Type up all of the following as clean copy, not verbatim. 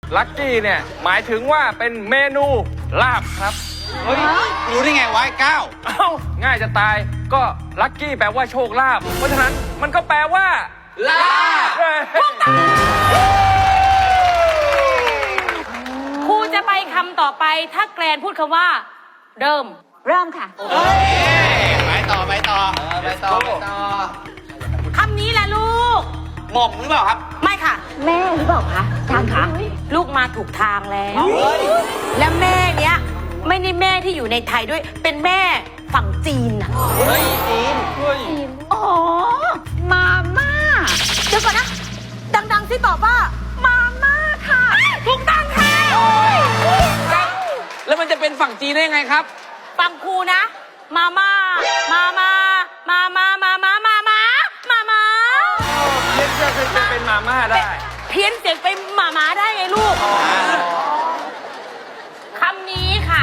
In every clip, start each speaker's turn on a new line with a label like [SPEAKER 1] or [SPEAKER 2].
[SPEAKER 1] ลักกี้เนี่ยหมายถึงว่าเป็นเมนูลาบครับ
[SPEAKER 2] เฮ้ยรู้ได้ไงวะไอ้ก้าว
[SPEAKER 1] เอ้าง่ายจะตายก็ลักกี้แปลว่าโชคลาภเพราะฉะนั้นมันก็แปลว่าลาบ
[SPEAKER 3] ครูจะไปคำต่อไปถ้าแกรนพูดคำว่า เริ่ม
[SPEAKER 4] เริ่มค่ะ
[SPEAKER 2] ไปต่อไปต่อไปต่อไปต่อ
[SPEAKER 3] คำนี้แหละลูก
[SPEAKER 2] หม่อมหรือเปล่าครับ
[SPEAKER 3] ไม่ค่ะ
[SPEAKER 4] แม่หรือเปล่าคะจางคะ
[SPEAKER 3] ลูกมาถูกทางแล้ว และแม่เนี้ยไม่ได้แม่ที่อยู่ในไทยด้วย เป็นแม่ฝั่งจีนน่ะ
[SPEAKER 2] เฮ้ยจีน
[SPEAKER 4] อ๋อ มาม่า
[SPEAKER 3] เดี๋ยวก่อนนะ ดังๆที่ตอบว่า มาม่าค่ะ ถูกต้องค่ะ
[SPEAKER 5] แล้วมันจะเป็นฝั่งจีนได้ยังไงครับ
[SPEAKER 3] ฟังครูนะ มาม่า มาม่า มาม่า มาม่า มาม่า มาม่า
[SPEAKER 1] เพี้ยนเพื่อจะเป็นมาม่าได้
[SPEAKER 3] เพี้ยนเสียงไปหมาๆได้ไงลูก คำนี้ค่ะ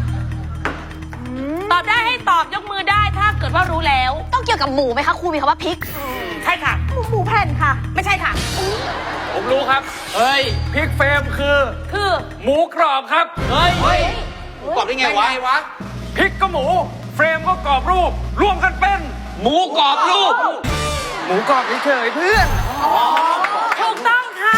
[SPEAKER 3] ตอบได้ให้ตอบยกมือได้ถ้าเกิดว่ารู้แล้ว
[SPEAKER 4] ต้องเกี่ยวกับหมูไหมคะครูมีคำว่าพริก
[SPEAKER 3] ใช่ค่ะ
[SPEAKER 4] หมูแผ่นค่ะ
[SPEAKER 3] ไม่ใช่ค่ะ
[SPEAKER 1] ผมรู้ครับ
[SPEAKER 5] เฮ้ย
[SPEAKER 1] พริกเฟรมคือ
[SPEAKER 3] คือ
[SPEAKER 1] หมูกรอบครับ
[SPEAKER 5] เฮ้ย
[SPEAKER 2] เฮ้ยกรอบได้ไงวะ
[SPEAKER 1] พริกก็หมู เฟรมก็กรอบรูป รวมกันเป็น
[SPEAKER 5] หมูกรอบรูป
[SPEAKER 1] หมูกรอบเฉยๆเพื่อน
[SPEAKER 3] ถูกต้องค่ะ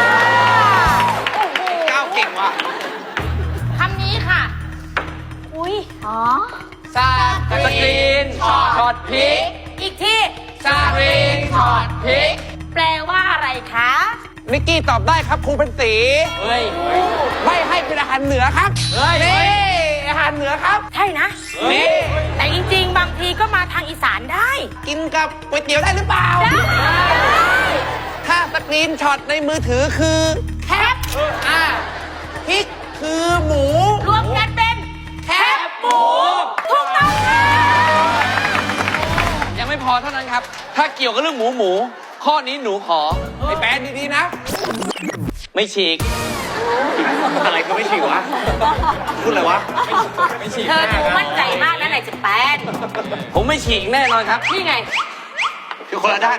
[SPEAKER 2] ก้าวเก่งว่ะ
[SPEAKER 3] คำนี้ค่ะ
[SPEAKER 4] อุ้ยอ๋อ
[SPEAKER 5] ซาสกรีนช็อตพริก
[SPEAKER 3] อีกที่
[SPEAKER 5] ซารีนช็อตพริก
[SPEAKER 3] แปลว่าอะไรคะ
[SPEAKER 2] นิกกี้ตอบได้ครับครูเป็นสี
[SPEAKER 5] เฮ้ย
[SPEAKER 2] ไม่ให้เป็นอาหารเหนือครับ
[SPEAKER 5] เฮ้ย
[SPEAKER 2] นี่อาหารเหนือครับ
[SPEAKER 3] ใช่นะ
[SPEAKER 2] นี่
[SPEAKER 3] แต่จริงๆ บางทีก็มาทางอีสานได้
[SPEAKER 2] กินกับก๋วยเตี๋ยวได้หรือเปล่า ถ้าสกรีนช็อตในมือถือคือ
[SPEAKER 3] แคป
[SPEAKER 2] พริกคือหมู
[SPEAKER 3] รวมกันเป็นแคปหมู ถูกต้องค่ะ
[SPEAKER 5] ยังไม่พอเท่านั้นครับ ถ้าเกี่ยวกับเรื่องหมู ข้อนี้หนูขอ
[SPEAKER 2] ไอ้แปนดีๆนะ
[SPEAKER 5] ไม่ฉีก
[SPEAKER 2] อะไรก็ไม่ฉีกวะ พูดอะไรวะ
[SPEAKER 1] ไม่ฉีก
[SPEAKER 3] เธอ
[SPEAKER 1] หน้า
[SPEAKER 3] ดู
[SPEAKER 1] ครับ
[SPEAKER 3] มั่นใจมากนะไหนจะแปน
[SPEAKER 5] ผมไม่ฉีกแน่นอนครับ
[SPEAKER 3] นี่ไง
[SPEAKER 2] คือคนละด้าน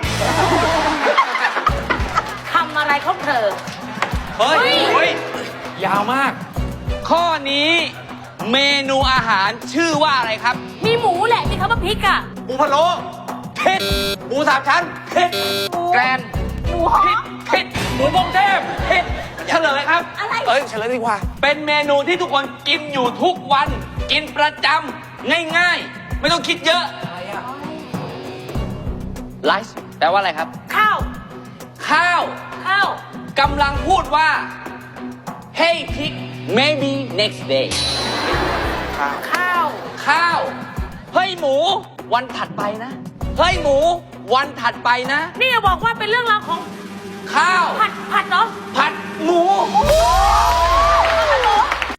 [SPEAKER 3] ทำอะไรของเธอ
[SPEAKER 5] เฮ้ย
[SPEAKER 3] เฮ้ย
[SPEAKER 1] ยาวมาก
[SPEAKER 5] ข้อนี้เมนูอาหารชื่อว่าอะไรครับ
[SPEAKER 3] มีหมูแหละที่เขามาพริกอ่ะ
[SPEAKER 2] หมูพะโล้
[SPEAKER 5] ผิด
[SPEAKER 2] หมูสามชั้น
[SPEAKER 5] ผิดแกรน
[SPEAKER 4] หมูหอ
[SPEAKER 5] ผิด
[SPEAKER 4] ม
[SPEAKER 5] ผิดหมูพงเทพผิดเฉลยครับ
[SPEAKER 4] อะไร
[SPEAKER 2] เอ้ยเฉลยดีกว่า
[SPEAKER 5] เป็นเมนูที่ทุกคนกินอยู่ทุกวัน กินประจำง่ายๆ ไม่ต้องคิดเยอะไลฟ์แปลว่าอะไรครับ
[SPEAKER 3] ข้าว
[SPEAKER 5] ข้าว
[SPEAKER 3] ข้าว
[SPEAKER 5] กำลังพูดว่า Hey pig maybe next day
[SPEAKER 3] ข้าว
[SPEAKER 5] ข้าว เฮ้ยหมู วันถัดไปนะ เฮ้ยหมู วันถัดไปนะ
[SPEAKER 3] นี่อย่าบอกว่าเป็นเรื่องราวของ